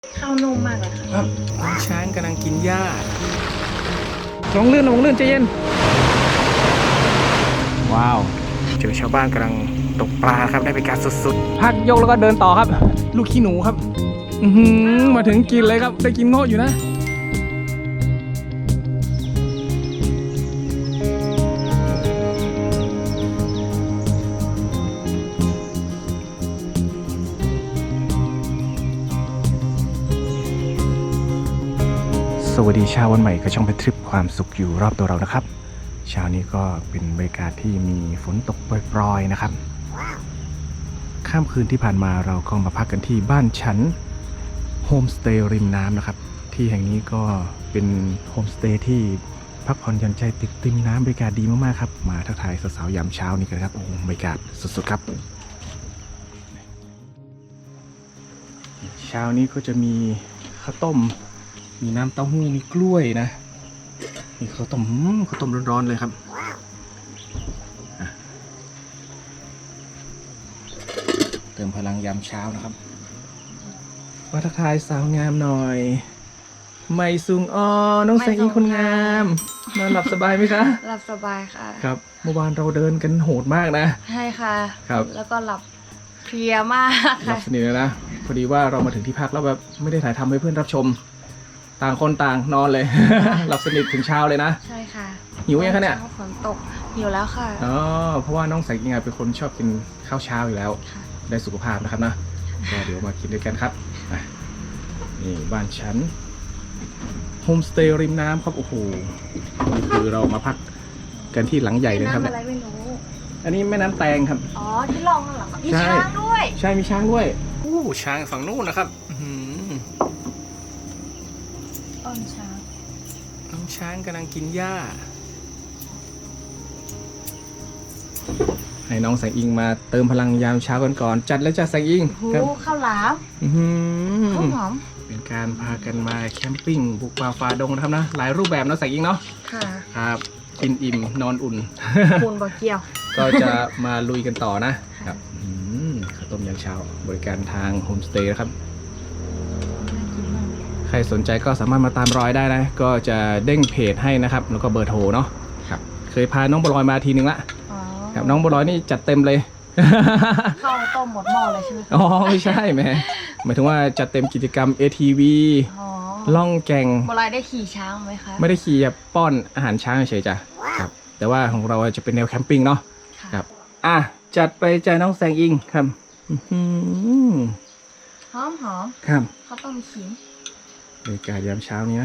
ข้าวนุ่มมากเลยค่ะครับน้องช้างกำลังกินหญ้าลงลื่นใจเย็นว้าวเจอชาวบ้านกำลังตกปลาครับได้บรรยากาศสุดๆพักยกแล้วก็เดินต่อครับลูกขี้หนูครับมาถึงกินเลยครับได้กินเงาะอยู่นะสวัสดีเช้าวันใหม่ก็ช่องเป็นทริปความสุขอยู่รอบตัวเรานะครับเช้านี้ก็เป็นบรรยากาศที่มีฝนตกปรอยๆนะครับข้ามคืนที่ผ่านมาเราก็มาพักกันที่บ้านฉันโฮมสเตย์ริมน้ำนะครับที่แห่งนี้ก็เป็นโฮมสเตย์ที่พักผ่อนหย่อนใจติดริมน้ำบรรยากาศดีมากๆครับมาทักทายสาวๆยามเช้านี้กันครับโอ้บรรยากาศสุดๆครับเช้านี้ก็จะมีข้าวต้มมีน้ำเต้าหู้มีกล้วยนะมีข้าวต้มร้อนๆเลยครับเติมพลังยามเช้านะครับมาทักทายสาวงามหน่อยไม่ซุงอ้อน้องแสงอิงคนงามนอนหลับสบายไหมคะหลับสบายค่ะครับเมื่อวานเราเดินกันโหดมากนะใช่ค่ะครับแล้วก็หลับเพลียมากหลับสนิทเลยนะพอดีว่าเรามาถึงที่พักแล้วแบบไม่ได้ถ่ายทำให้เพื่อนรับชมต่างคนต่างนอนเลย หลับสนิทถึงเช้าเลยนะใช่ค่ะหิวยังคะเนี่ยฝนตกหิวแล้วค่ะอ๋อเพราะว่าน้องแสงอิงเป็นคนชอบกินข้าวเช้าอยู่แล้วได้สุขภาพนะครับนะก็เดี๋ยวมากินด้วยกันครับนี่บ้านฉันโฮมสเตย์ริมน้ำครับโอ้โหนี่คือเรามาพักกันที่หลังใหญ่เลยครับเนี่ยอะไรไม่รู้อันนี้แม่น้ำแตงครับอ๋อที่ลองเหรอมีช้างด้วยใช่มีช้างด้วยอู้ช้างฝั่งนู้นนะครับอ้อนช้างน้องช้างกำลังกินหญ้าให้น้องแสงอิงมาเติมพลังยามเช้ากันก่อนจัดแล้วจ้ะแสงอิงครับข้าวหลามข้าวหอมเป็นการพากันมาแคมปิ้งบุกป่าฝ่าดงนะครับนะหลายรูปแบบนะแสงอิงเนาะค่ะครับกินอิ่มนอนอุ่นคูณบ่เกี่ยวก็จะมาลุยกันต่อนะครับข้าวต้มยามเช้าบริการทางโฮมสเตย์นะครับใครสนใจก็สามารถมาตามรอยได้นะก็จะเด้งเพจให้นะครับแล้วก็เบอร์โทรเนาะครับเคยพาน้องบัวลอยมาทีนึงละครับน้องบัวลอยนี่จัดเต็มเลยข้าวต้มหมดหม้อเลยใช่ไหมอ๋อไม่ใช่แม่หมายถึงว่าจัดเต็มกิจกรรม ATV ล่องแก่งบัวลอยได้ขี่ช้างไหมคะไม่ได้ขี่ป้อนอาหารช้างเฉยจ้ะครับแต่ว่าของเราจะเป็นแนวแคมปิ้งเนาะครับจัดไปใจน้องแสงอิงครับหอมครับข้าวต้มขิงบรรยากาศยามเช้านี้นะ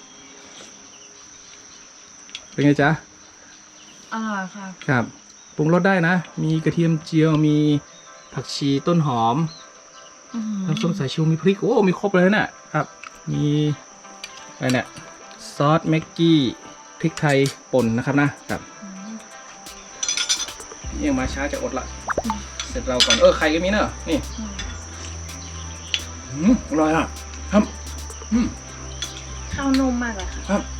เป็นไงจ๊ะอร่อยค่ะครับปรุงรสได้นะมีกระเทียมเจียวมีผักชีต้นหอมน้ำส้มสายชูมีพริกโอ้มีครบเลยน่ะครับมีอะไรเนี่ยซอสแม็กกี้พริกไทยป่นนะครับนะครับยังมาช้าจะอดละเสร็จเราก่อนไข่ก็มีเนอะนี่อร่อยอ่ะครับข้าวนุ่มมากเลยค่ะครับ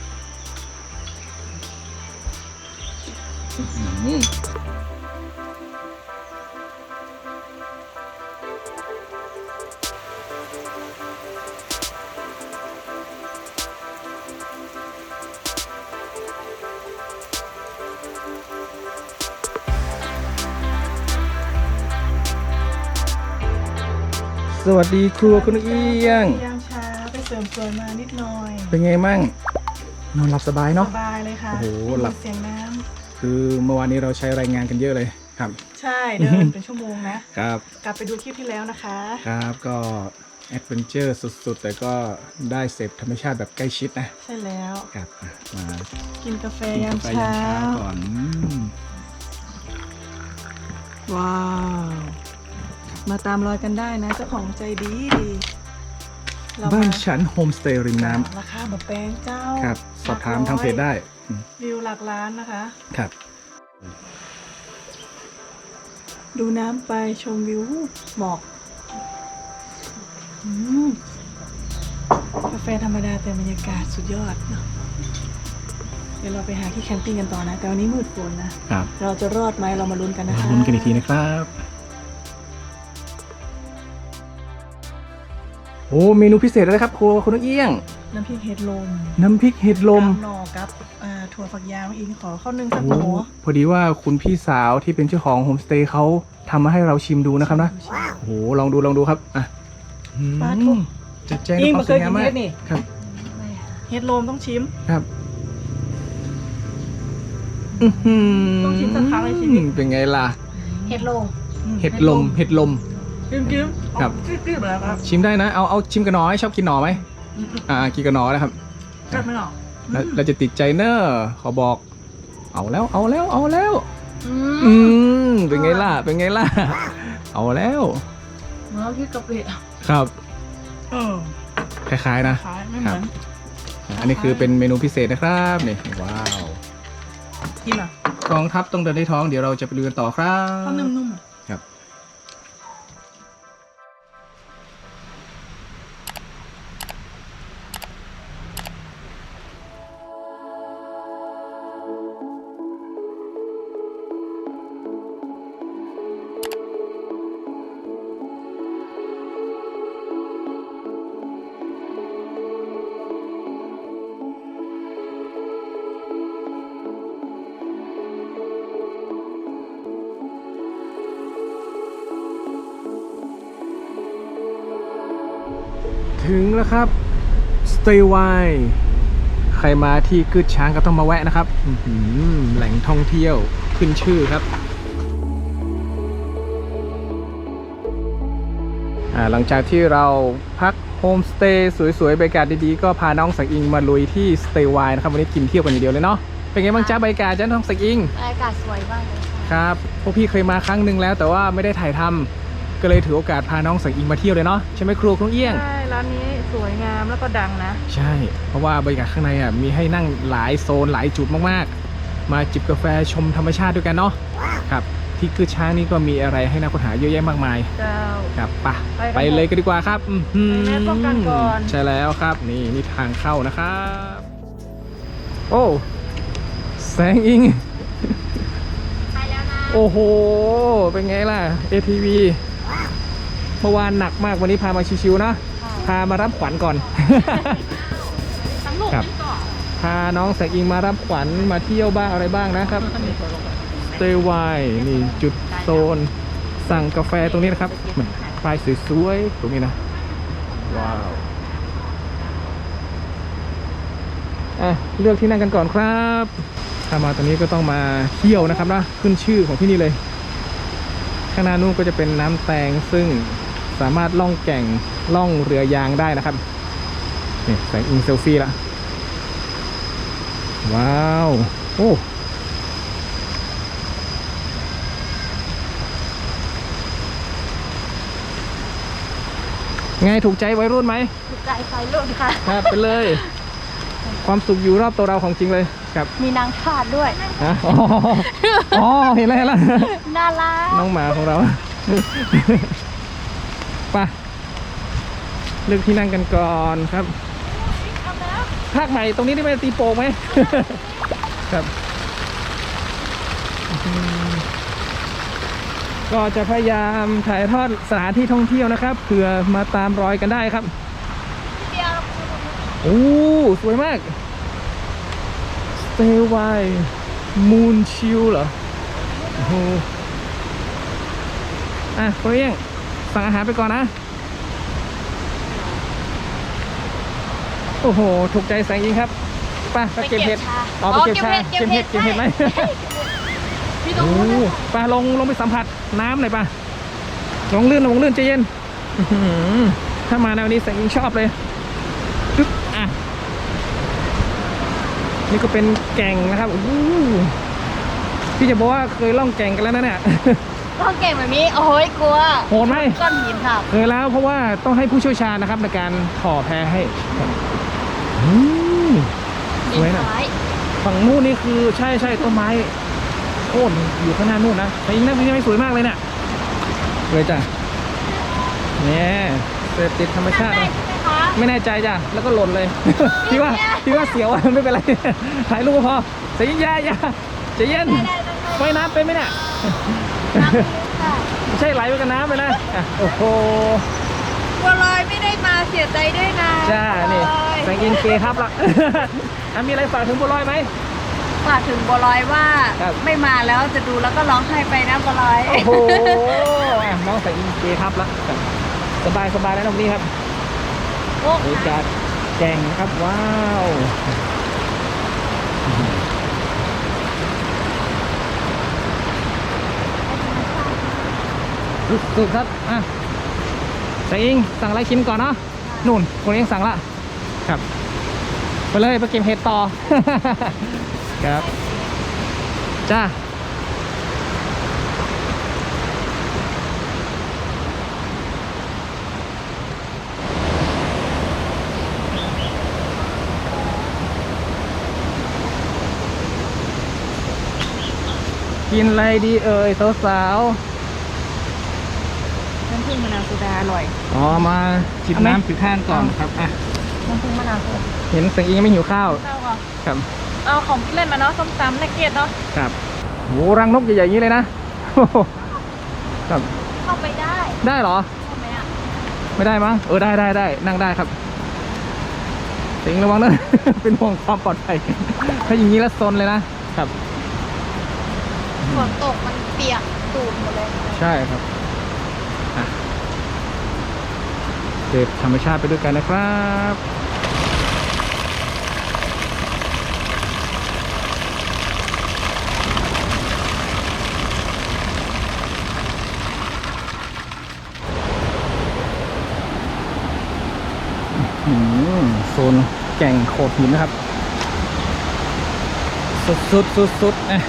สวัสดีครัวคุณเอียงยามเช้าไปเสริมสวยมานิดหน่อยเป็นไงมั่งนอนหลับสบายเนาะสบายเลยค่ะโอ้โหหลับเสียงน้ำคือเมื่อวานนี้เราใช้รายงานกันเยอะเลยครับใช่เดินเป็นชั่วโมงนะครับกลับไปดูคลิปที่แล้วนะคะครับก็แอดเวนเจอร์สุดๆแต่ก็ได้เสพธรรมชาติแบบใกล้ชิดนะใช่แล้วครับมากินกาแฟยามเช้าก่อนว้าวมาตามรอยกันได้นะเจ้าของใจดีบ้านฉันโฮมสเตย์ริมน้ำราคาแบบแพงเจ้าครับสอบถามทางเพจได้วิวหลักล้านนะคะครับดูน้ำไปชมวิวหมอกกาแฟธรรมดาแต่บรรยากาศสุดยอดเนาะเดี๋ยวเราไปหาที่แคมปิ้งกันต่อนะแต่วันนี้มืดฝนนะครับเราจะรอดไหมเรามาลุ้นกันนะคะลุ้นกันอีกทีนะครับโอ้เมนูพิเศษอะไรครับครัวคุณนกเอี้ยงน้ำพริกเห็ดลมน้ำพริกเห็ดลมหน่อกับถั่วฝักยาวอีกขอข้าวนึ่งสักโอ้หัวพอดีว่าคุณพี่สาวที่เป็นเจ้าของโฮมสเตย์เขาทำมาให้เราชิมดูนะครับนะโอ้โหลองดูครับอ่ะปลาทุกจัดแจงด้วยความสวยงามมากครับเห็ดลมต้องชิมครับต้องชิมสักครั้งในชีวิตเป็นไงล่ะเห็ดลมเห็ดลมกิ้มครับกิ้มแล้วครับชิมได้นะเอาชิมกับหน่อไหมชอบกินหน่อไหมกินกับหน่อนะครับกัดไม่หรอกแล้วเราจะติดใจเนอะขอบอก เอาแล้วเป็นไงล่ะเอาแล้วเมื่อกี้กะปิครับคล้ายๆนะขายไม่เหมือนอันนี้คือเป็นเมนูพิเศษนะครับนี่ว้าวกินอ่ะกองทัพต้องเดินด้วยท้องเดี๋ยวเราจะไปดูกันต่อครับข้าวนุ่มๆอ่ะครับ ถึงแล้วครับ Stay Wine ใครมาที่กึดช้างก็ต้องมาแวะนะครับแหล่งท่องเที่ยวขึ้นชื่อครับหลังจากที่เราพักโฮมสเตย์สวยๆบรรยากาศดีๆก็พาน้องสังอิงมาลุยที่ Stay Wine นะครับวันนี้กินเที่ยวกันอย่างเดียวเลยเนาะเป็นไงบ้างจ้าบรรยากาศจ้าน้องสังอิงบรรยากาศสวยมากเลยค่ะครับพวกพี่เคยมาครั้งหนึ่งแล้วแต่ว่าไม่ได้ถ่ายทำก็เลยถือโอกาสพาน้องสังอิงมาเที่ยวเลยเนาะใช่ไหมครูคุณเอี้ยงใช่ร้านนี้สวยงามแล้วก็ดังนะใช่ เพราะว่าบรรยากาศข้างในมีให้นั่งหลายโซนหลายจุดมากๆ มาจิบกาแฟชมธรรมชาติด้วยกันเนาะครับที่กึดช้างนี่ก็มีอะไรให้นักค้นหาเยอะแยะมากมายเจ้าครับไปไปกันเลยกันดีกว่าครับไปแม่ป้องกันก่อนใช่แล้วครับนี่ทางเข้านะครับโอ้แสงอิงไปแล้วนะโอ้โหเป็นไงล่ะ ATV เมื่อวานหนักมากวันนี้พามาชิวๆนะพามารับขวัญก่อนทั้งลูกครับนี่ก่อนพาน้องแสงอิงมารับขวัญมาเที่ยวบ้างอะไรบ้างนะครับ Stay Wine นี่จุดโซนสั่งกาแฟตรงนี้นะครับมันป้ายสวยๆตรงนี้นะว้าวเลือกที่นั่งกันก่อนครับถ้ามาตรงนี้ก็ต้องมาเที่ยวนะครับนะขึ้นชื่อของที่นี่เลยข้างหน้านู้นก็จะเป็นน้ำแตงซึ่งสามารถล่องแก่งล่องเรือยางได้นะครับนี่แสงอิงเซลฟี่ละว้าวโอ้ไงถูกใจวัยรุ่นไหมถูกใจไฟรุ่นค่ะครับไปเลย ความสุขอยู่รอบตัวเราของจริงเลยครับมีนางทาสด้วยฮะอ๋อเห็นแล้วน่ารักน้องหมาของเราไปเลือกที่นั่งกันก่อนครับภาคใหม่ตรงนี้ได้ไหมตีโป่งไหม ครับก็จะพยายามถ่ายทอดสถานที่ท่องเที่ยวนะครับเผื่อมาตามรอยกันได้ครับเดียวโอ้สวยมาก Stay Wine Moon Chill เหรอโอ้โหคุณเอี้ยงสั่งอาหารไปก่อนนะโอ้โหถูกใจแสงอิงครับไปเก็บเห็ดไปเก็บชาเก็บเห็ดไหมพี่ตรงโอ้นู้นไปลงไปสัมผัสน้ำหน่อยป่ะลงลื่นใจเย็นถ้ามาแนวนี้แสงอิงชอบเลยปึ๊บนี่ก็เป็นแก่งนะครับโอ้โหพี่จะบอกว่าเคยล่องแก่งกันแล้วนะเนี่ยต้องเก่งแบบนี้โอ้ยกลัวโหดไหมก้อนหินค่ะเคยแล้วเพราะว่าต้องให้ผู้เชี่ยวชาญนะครับในการถ่อแพให้สวยนะซ้ายฝั่งนู้นนี่คือใช่ต้นไม้โค่นอยู่ข้างหน้านู่นนะแต่ยังไม่สวยมากเลยเนี่ยสวยจ้ะเนี่ยเสพติดธรรมชาติได้นะใช่ไหมคะไม่แน่ใจจ้ะแล้วก็หล่นเลย พี่ว่าเสียว ไม่เป็นไร ถ่ายรูปก็พอเสียงยาใจเย็นว่ายน้ำเป็นไหมเนี่ยน้ำลึกค่ะไม่ใช่ไหลไปกับน้ำไปนะโอ้โหบัวลอยไม่ได้มาเสียใจด้วยนะจ้า นี่บัวลอยแสงอินเกครับละ มีอะไรฝากถึงบัวลอยไหมฝากถึงบัวลอยว่าครับไม่มาแล้วจะดูแล้วก็ร้องไห้ไปนะบัวลอยโอ้โหน้องแสงอินเกครับละสบายสบายแล้วนะวันนี้ครับโอ้บรรยากาศแจ่งนะครับ ว้าวสุดๆครับอ่ะแสงอิงสั่งอะไรกินก่อนเนาะนู่นคนเองสั่งละครับไปเลยไปเก็บเห็ดต่อ ครับจ้ากินอะไรดีเอ่ยสาวน้ำผึ้งมะนาวโซดาอร่อยๆอ๋อมาจิบเอาไหมน้ำจิบท่านก่อนครับอ่ะน้ำผึ้งมะนาวโซดาเห็นแสงอิงไม่หิวข้าวข้าวก่อนครับเอาของกินเล่นมาเนาะส้มตำนักเก็ตเนาะครับโหรังนกใหญ่ๆอย่างนี้เลยนะ ครับเข้าไปได้ได้เหรอใช่ไหมอ่ะไม่ได้มั้งได้นั่งได้ครับสิงระวังนะ เป็นห่วงความปลอดภัย ถ้าอย่างนี้แล้วซนเลยนะครับฝนตกมันเปียกตูดหมดเลยใช่ครับอ่ะเสพธรรมชาติไปด้วยกันนะครับโซนแก่งโขดหินนะครับ สุดนะ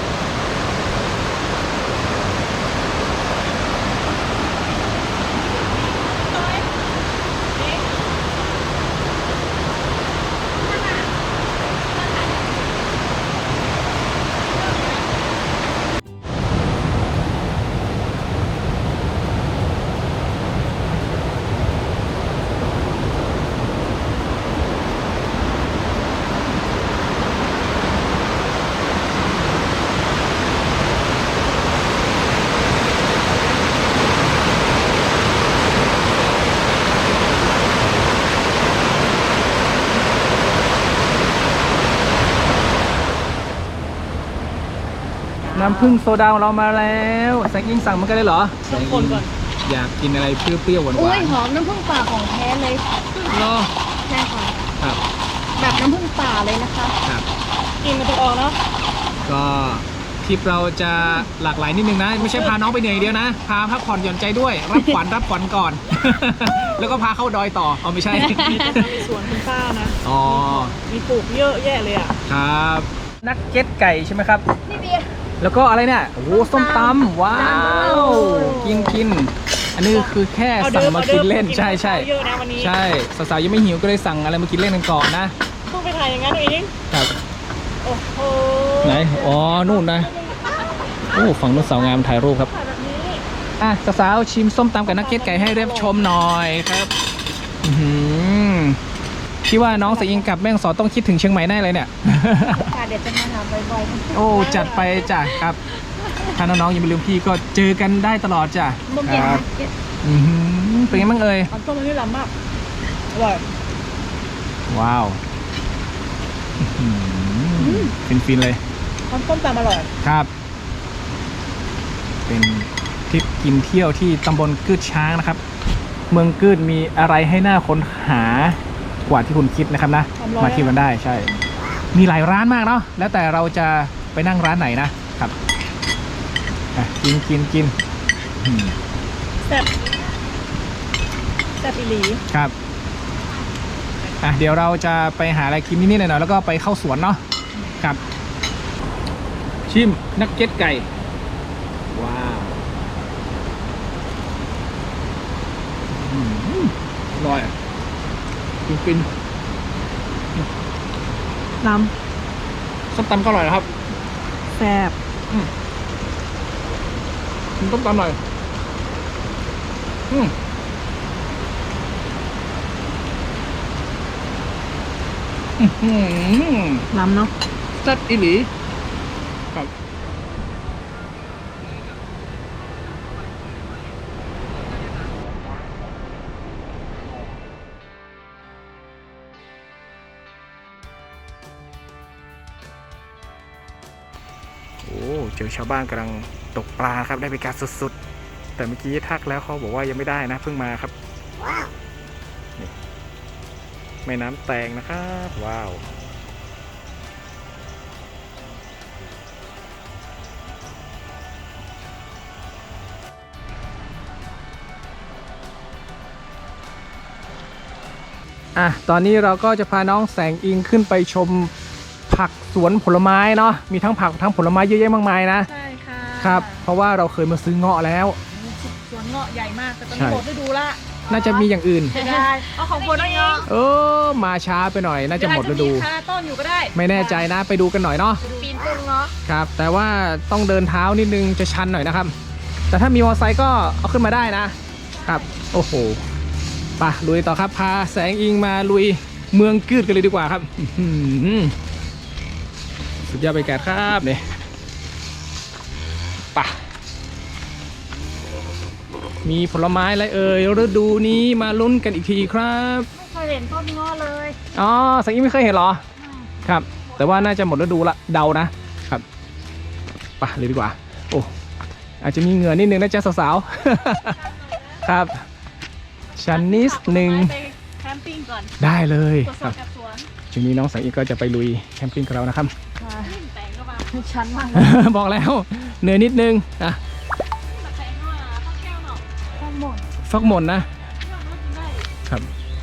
น้ำผึ้งโซดาของเรามาแล้วแสงอิงสั่งมันก็ได้เหรอต้องคนก่อนอยากกินอะไรเปรี้ยวๆหวานอุ้ยหอมน้ำผึ้งป่าของแท้เลยๆรอใช่ค่ะครับแบบน้ำผึ้งป่าเลยนะคะครับกินมันจะออกเนาะก็ทริปเราจะหลากหลายนิดนึงนะ ไม่ใช่พาน้องไปเหนื่อยอย่างเดียวนะ พาพักผ่อนหย่อนใจด้วย รับขวัญก่อน แล้วก็พาเข้าดอยต่อเอาไม่ใช่มีสวนคุณป้านะอ๋อมีปลูกเยอะแยะเลยอ่ะครับ นักเก็ตไก่ใช่ไหมครับนี่เบียร์แล้วก็อะไรเนี่ย โอ้โหส้มตำว้าว กิน อันนี้คือแค่สั่งมากินเล่น ใช่เยอะนะวันนี้ใช่สาวๆยังไม่หิวก็เลยสั่งอะไรมากินเล่นกันก่อนนะเพิ่งไปถ่ายอย่างนั้นเองครับโอ้โหไหน อ๋อ นู่นนะ โอ้ ฝั่งนู้นสาวงามถ่ายรูปครับถ่ายแบบนี้อ่ะสาวๆชิมส้มตำกับนักเก็ตไก่ให้เรียบชมหน่อยครับอื้อหือพี่ว่าน้องสายอิงกับแม่ฮ่องสอนต้องคิดถึงเชียงใหม่แน่เลยเนี่ยค่ะเดี๋ยวจะมาหาบ่อยๆโอ้ จัดไปจ้ะครับ ถ้าน้องๆยังไม่ลืมพี่ก็เจอกันได้ตลอดจ้ะมุกเย็นครับเย็นอื้อหือเป็นไงบ้างเอ่ยอันต้มมันนี่ล้ำมากอร่อยว้าวฟินๆเลยอันต้มตำอร่อยครับ เป็นทริปกินเที่ยวที่ตำบลกืดช้างนะครับ เมืองกืดมีอะไรให้น่าค้นหากว่าที่คุณคิดนะครับนะ มาเที่ยวกันได้ใช่ มีหลายร้านมากเนาะ แล้วแต่เราจะไปนั่งร้านไหนนะครับอ่ะกินอืมแซ่บอีหลีครับอ่ะเดี๋ยวเราจะไปหาอะไรกินนิดๆหน่อยๆแล้วก็ไปเข้าสวนเนาะครับ ชิมนักเก็ตไก่ ว้าวอร่อยกินน้ส้มตำก็อร่อยนะครับำแซ่บกินส้มตำหน่อยน้ำเนาะจัดอีหลีครับโอ้เจอชาวบ้านกำลังตกปลาครับได้บรรยากาศสุดๆแต่เมื่อกี้ทักแล้วเขาบอกว่ายังไม่ได้นะเพิ่งมาครับนี่แม่น้ำแตงนะครับว้าวตอนนี้เราก็จะพาน้องแสงอิงขึ้นไปชมผักสวนผลไม้เนาะมีทั้งผักทั้งผลไม้เยอะแยะมากมายนะใช่ค่ะครับเพราะว่าเราเคยมาซื้อเงาะแล้วสวนเงาะใหญ่มากแต่ตอนนี้หมดฤดูละน่าจะมีอย่างอื่นได้เอาของคนเงาะมาช้าไปหน่อยน่าจะหมดฤดูคาต้นอยู่ก็ได้ไม่แน่ใจนะไปดูกันหน่อยเนาะปีนต้นเงาะครับแต่ว่าต้องเดินเท้านิดนึงจะชันหน่อยนะครับแต่ถ้ามีมอเตอร์ไซค์ก็เอาขึ้นมาได้นะครับโอ้โหไปลุยต่อครับพาแสงอิงมาลุยเมืองกืดกันเลยดีกว่าครับสุดยอดบรรยากาศครับเนี่ยไปมีผลไม้อะไรฤดูนี้มาลุ้นกันอีกทีครับไม่เคยเห็นต้นเงาะเลยแสงอิงไม่เคยเห็นหรอครับแต่ว่าน่าจะหมดฤดูละเดานะครับไปเลยดีกว่าโอ้อาจจะมีเหงื่อนิดนึงนะจ๊ะสาวๆครับชันนิดนึงแคมปิ้งก่อนได้เลยครับช่วงนี้น้องแสงอิงก็จะไปลุยแคมปิ้งกับเรานะครับแต่งก็มาชั้นมากบอกแล้วเหนื่อยนิดนึงฟักหม่นนะครับ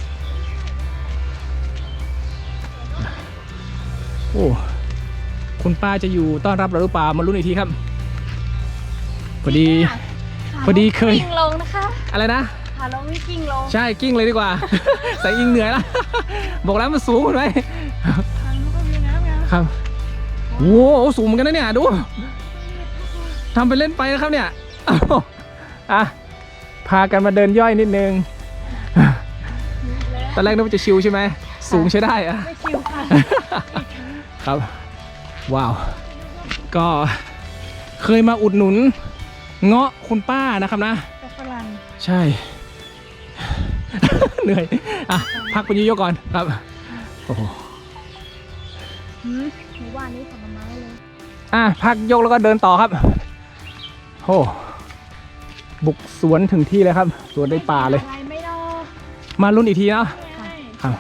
โอ้คุณป้าจะอยู่ต้อนรับเราหรือเปล่ามาลุ้นอีกทีครับพอดีเคยกิ้งลงนะคะอะไรนะขาลงนี่กิ้งลงใช่กิ้งเลยดีกว่า แสงอิงเหนื่อยแล้วบอกแล้วมันสูงไหมครับโอ้สูงเหมือนกันนะเนี่ยดูทำไปเล่นไปนะครับเนี่ยพากันมาเดินย่อยนิดนึงตอนแรกนึกว่าจะชิลใช่ไหมสูงใช้ได้ไม่ชิลค่ะครับว้าวก็เคยมาอุดหนุนเงาะคุณป้านะครับนะฝรั่งใช่เหนื่อยพักไปเยอะๆก่อนครับโอ้โหหมู่บ้านนี้ผลไม้เลยพักยกแล้วก็เดินต่อครับโอ้บุกสวนถึงที่เลยครับสวนในป่าเลยมาลุ้นอีกทีนะครับ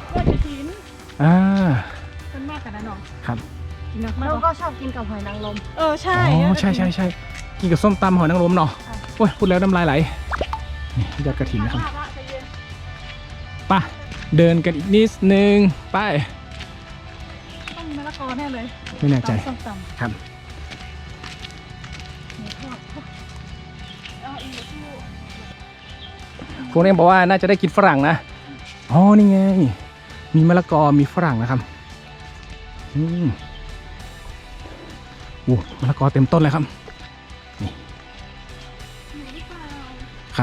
เป็นมากกันนะน้องครับเราก็ชอบกินกับหอยนางรมใช่ใช่กินกับส้มตำหอยนางรมเนาะโอ้ยพูดแล้วน้ำลายไหลนี่ยอดกระถิ่นนะครับไปเดินกันอีกนิดนึงไปต้องมะละกอแน่เลยไม่แน่ใจครับพวกนี้บอกว่าน่าจะได้กินฝรั่งนะนี่ไงมีมะละกอมีฝรั่งนะครับมะละกอเต็มต้นเลยครับนี่ครับ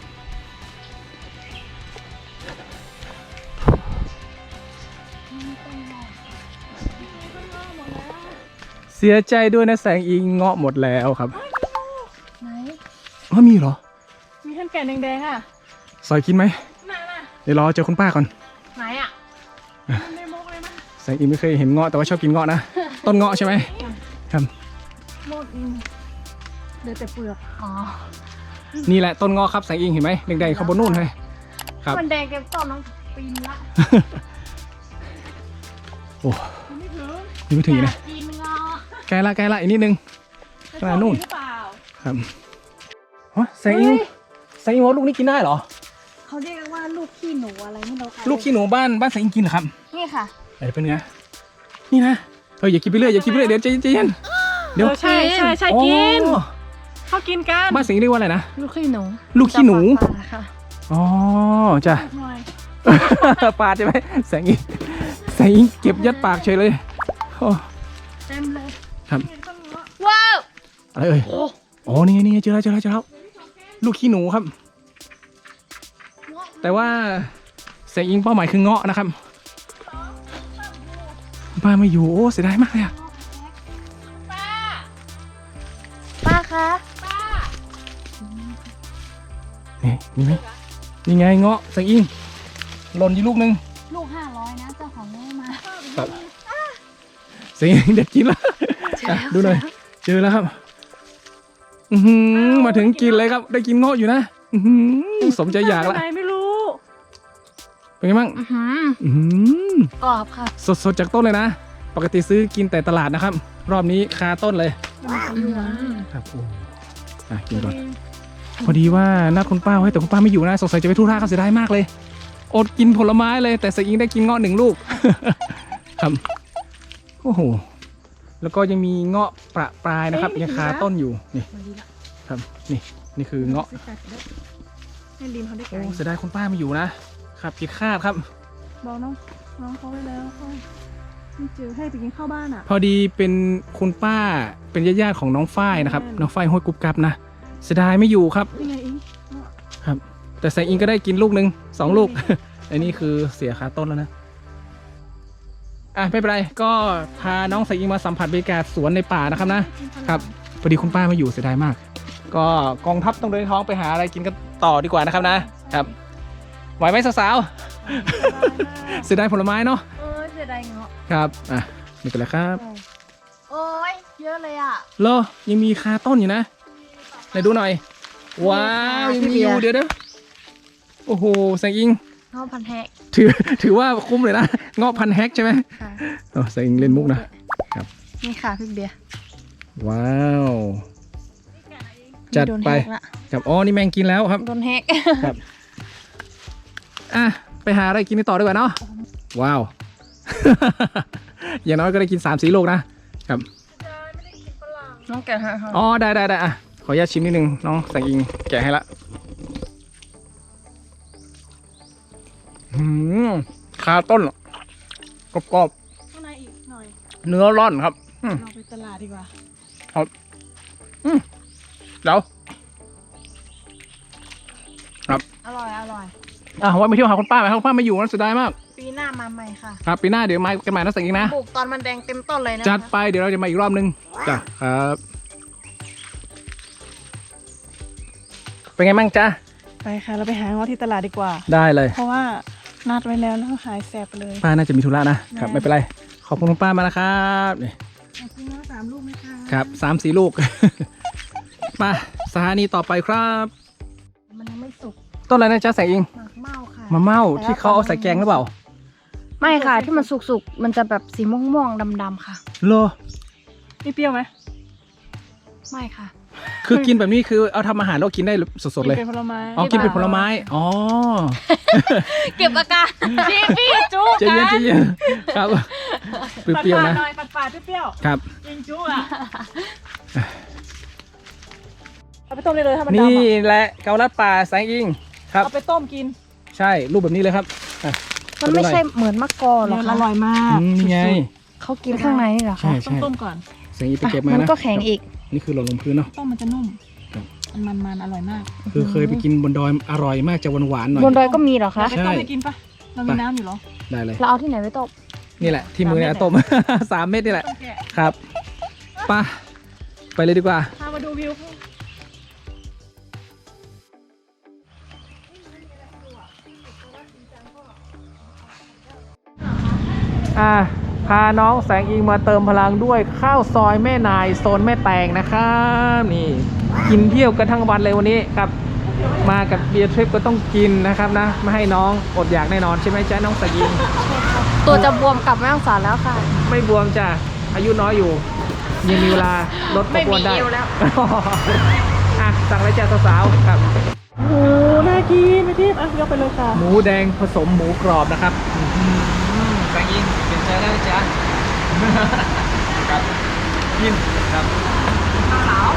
เสียใจด้วยนะแสงอิงเงาะหมดแล้วครับไหนมีเหรอมีท่านแก่แดงๆซอยกินไหมเดี๋ยวรอเจอคุณป้าก่อนไหนไม่มกเลยมั้ยแสงอิงไม่เคยเห็นเงาะแต่ว่าชอบกินเงาะนะต้นเงาะใช่ไหมครับหมดเดี๋ยวแต่เปลือกนี่แหละต้นเงาะครับแสงอิงเห็นไหมแดงๆเขาบนนู่นเลยครับมันแดงเต็มต้นน้องปีนละโอ้ไม่ถึงนะใกล้ละอีกนิดนึงขนาดนู่นครับแสงอิงว่าลูกนี้กินได้เหรอเขาเรียกว่าลูกขี้หนูอะไรไม่รู้ลูกขี้หนูบ้านแสงอิงกินเหรอครับนี่ค่ะเป็นไงนี่นะอย่ากินไปเรื่อยเดี๋ยวใจเย็นเดี๋ยวใช่กินเขากินกันบ้านแสงอิงเรียกว่าอะไรนะลูกขี้หนูอ๋อจ้ะปาดใช่ไหมแสงอิงเก็บยัดปากเฉยเลยเต็มเลยครับว้าวอะไรนี่เจอแล้วลูกขี้หนูครับแต่ว่าแสงอิงเป้าหมายคือเงาะนะครับป้าไม่อยู่เสียดายมากเลยป้าคะนี่ไหมนี่ไงเงาะแสงอิงหล่นอยู่ลูกนึงลูก500นะเจ้าของแม่มาแสงอิงเด็ดกินแล้วดูหน่อยเจอแล้วครับมาถึงกินเลยครับ ได้กินเงาะอยู่นะสมใจอยากละไหนไม่รู้เป็นไงบ้างกรอบค่ะสดๆจากต้นเลยนะ ปกติซื้อกินแต่ตลาดนะครับ รอบนี้คาต้นเลยครับโอ้กินก่อนพอดีว่านัดคุณป้าไว้แต่คุณป้าไม่อยู่นะสงสัยจะไปธุระเขาเสียดายมากเลยอดกินผลไม้เลยแต่สอิงได้กินเงาะ1 ลูก ครับโอ้โหแล้วก็ยังมีเงาะประปรายนะครับยังคาต้นอยู่นี่ครับนี่คือเงาะให้ลินเขาได้ไกลโอ้เสียดายคุณป้าไม่อยู่นะครับผิดคาดครับบอกน้องเขาไว้แล้วเขาไม่เจอให้ไปกินข้าวบ้านอ่ะพอดีเป็นคุณป้าเป็นญาติๆของน้องฝ้ายนะครับน้องฝ้ายห้วยกุ๊บกับนะเสียดายไม่อยู่ครับนี่ไงอิงครับแต่แสงอิงก็ได้กินลูกหนึ่ง2 ลูก อันนี้คือเสียคาต้นแล้วนะไม่เป็นไรก็พาน้องแสงอิงมาสัมผัสบรรยากาศสวนในป่านะครับนะครับพอดีคุณป้าไม่อยู่เสียดายมาก ก็กองทัพต้องเดินท้องไปหาอะไรกินกันต่อดีกว่านะครับนะครับไหวไหมสาวๆเสียดายผลไม้เนาะเสียดายเงาะครับนี่เป็นไรครับโอ้ยเยอะเลยอ่ะเหรอยังมีคาต้นอยู่นะไหนดูหน่อยว้าวยังมีอยู่เดี๋ยวโอ้โหแสงอิงเงาะพันแฮกถือว่าคุ้มเลยนะเงาะพันแฮกใช่ไหมค่ะแสงอิงเล่นมุกนะครับนี่ค่ะพี่เบียร์ว้าวจัดไปครับอ๋อนี่แมงกินแล้วครับโดนแฮกครับไปหาอะไรกินต่อดีกว่าเนาะว้าว อย่างน้อยก็ได้กิน3-4 ลูกนะครับน้องแกะให้ค่ะอ๋อได้ขออนุญาตชิมนิดนึงน้องแสงอิงแกะให้ละคาต้นกรอบข้างในอีกหน่อยๆเนื้อร่อนครับเราไปตลาดดีกว่าเดี๋ยวครับอร่อยไว้ไปเที่ยวหาคุณป้าไหมครับคุณป้าไม่อยู่นะเสียดายมากปีหน้ามาใหม่ค่ะครับปีหน้าเดี๋ยวมากันใหม่นะแสงอิงนะปลูกตอนมันแดงเต็มต้นเลยนะจัดไปเดี๋ยวเราจะมาอีกรอบนึงจ้ะครับเป็นไงบ้างจ๊ะไปค่ะเราไปหาเงาะที่ตลาดดีกว่าได้เลยเพราะว่านัดไว้แล้วแล้วหายแสบไปเลยป้าน่าจะมีธุระนะครับไม่เป็นไรขอบคุณคุณป้ามานะครับนี่ขอบคุณเงาะ3 ลูกไหมคะครับ3-4 ลูก มาสถานีต่อไปครับมันยังไม่สุกต้นอะไรนะจ๊ะแสงอิงหมากเม่าค่ะมะเม่าที่เขาเอาใส่แกงหรือเปล่าไม่ค่ะที่มันสุกๆมันจะแบบสีม่วงๆดำๆค่ะโลนี่เปรี้ยวไหมไม่ค่ะคือกินแบบนี้คือเอาทำอาหารแล้วกินได้สดๆเลยเป็นผลไม้อ๋อกินเป็นผลไม้อ๋อเก็บอาการพี่จุ๊ใจเย็นใจเย็นครับเปรี้ยวๆนะหน่อยปัดๆเปรี้ยวครับยิงจุ๊อ่ะเอาไปต้มได้เลยถ้ามันดำนี่อ่ะแหละเกาลัดป่าแสงอิงครับเอาไปต้มกินใช่รูปแบบนี้เลยครับมันไม่ใช่เหมือนมะกอหรออคะร่อยมากนี่ไงเขากินข้างในนี่เหรอใช่คะต้องต้มก่อนแสงอิงไปเก็บมามันนะก็แข็งอีกนี่คือหล่นลงพื้นเนาะต้มมันจะนุ่มครับมันอร่อยมากคือเคยไปกินบนดอยอร่อยมากจะหวานๆหน่อยบนดอยก็มีเหรอคะไปต้มให้กินปะเรามีน้ำอยู่เหรอได้เลยเราเอาที่ไหนไปต้มนี่แหละที่มือเนี่ย 3 เม็ดต้ม 3 เม็ดนี่แหละต้องแกะครับไปเลยดีกว่าพามาดูวิวพาน้องแสงอิงมาเติมพลังด้วยข้าวซอยแม่นายโซนแม่แตงนะครับนี่กินเที่ยวกันทั้งวันเลยวันนี้ครับมากับเบียร์ทริปก็ต้องกินนะครับนะไม่ให้น้องอดอยากแน่นอนใช่ไหมจ๊ะน้องแสงอิงตัวจะบวมกลับแม่ฮ่องสอนแล้วค่ะไม่บวมจ้ะอายุน้อยอยู่ยังมีเวลาลดความอ้วนได้ไม่มีเอวแล้วสั่งเลยจ้ะสาวๆครับโอ้โหน่ากินไม่ทิพย์ยกไปเลยค่ะหมูแดงผสมหมูกรอบนะครับแสงอิงเปลี่ยนใจได้จ้ะครับกินครับเกาเหลา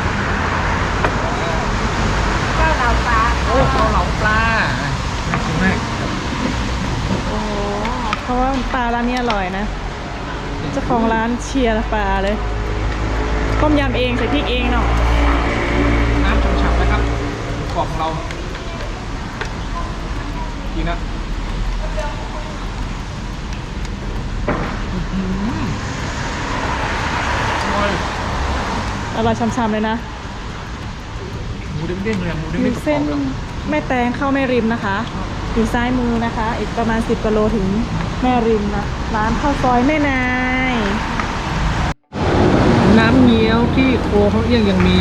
ปลาโอ้ข้าวเหลาปลาน่ากินมากโอ้เพราะว่าปลาร้านนี้อร่อยนะเจ้าของร้านเชียร์ปลาเลยต้มยำเองใส่พริกเองเนาะน้ำฉ่ำๆนะครับกรอบของเรากินนะอร่อยช่ำๆเลยนะหมูเด้งๆเลยหมูอเด้งยู่ๆเส้นกรอบแม่แตงเข้าแม่ริมนะคะอยู่ซ้ายมือนะคะ อีกประมาณ10 กิโลถึงแม่ริมนะร้านข้าวซอยแม่นายน้ำเงี้ยวที่โคเขาเอี้ยงยังมี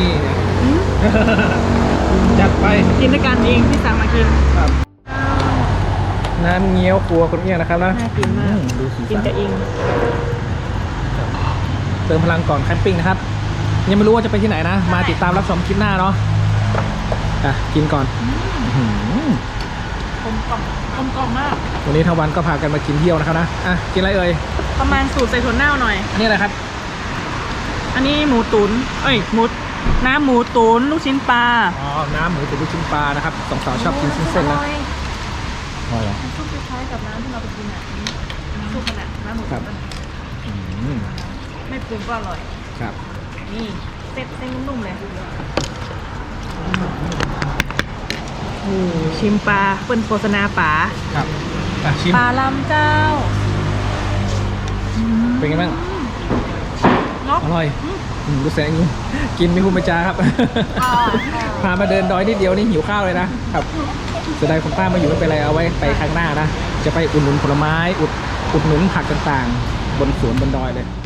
จัดไปกินด้วยกันเองที่สั่งมากินครับ น้ำเงี้ยวครัวคนเอี้ยงนะครับนะน่ากินมากดูสีกินสันกับเองเติมพลังก่อนแคมปิ้งนะครับ ยังไม่รู้ว่าจะไปที่ไหนนะ มาติดตามรับชมคลิปหน้าเนาะอ่ะกินก่อนอื้อหือกลมกล่อมกลมกล่อมมากวันนี้ทั้งวันก็พากันมากินเที่ยวนะครับนะอ่ะกินอะไรเอ่ยประมาณสูตรใส่ถั่วเน่าหน่อยอันนี้อะไรครับอันนี้หมูตุ๋นน้ำหมูตุ๋นลูกชิ้นปลาอ๋อ น้ำหมูตุ๋นลูกชิ้นปลานะครับสองสาวชอบกินเส้นๆนะอร่อยเหรอซุปคล้ายๆกับน้ำที่เราไปกินอ่ะซุปขนาดน้ำหมูครัตุ๋บนอืมไม่ปรุงก็อร่อยครับนี่เส้นนุ่มๆเลยโอ้ชิมปลาเปิ้นโฆษณาปลาครับอ่ะชิมปลาลำเจ้าเป็นไงบ้างเนาะอร่อยรู้แสงอยู่กินไม่คุ้มไปจ้าครับ พามาเดินดอยนิดเดียวนี่หิวข้าวเลยนะครับเสียดายคุณป้ามาอยู่ไม่เป็นไรเอาไว้ไปข้างหน้านะ จะไปอุดหนุนผลไม้อุดหนุนผักต่างๆ บนสวนบนดอยเลย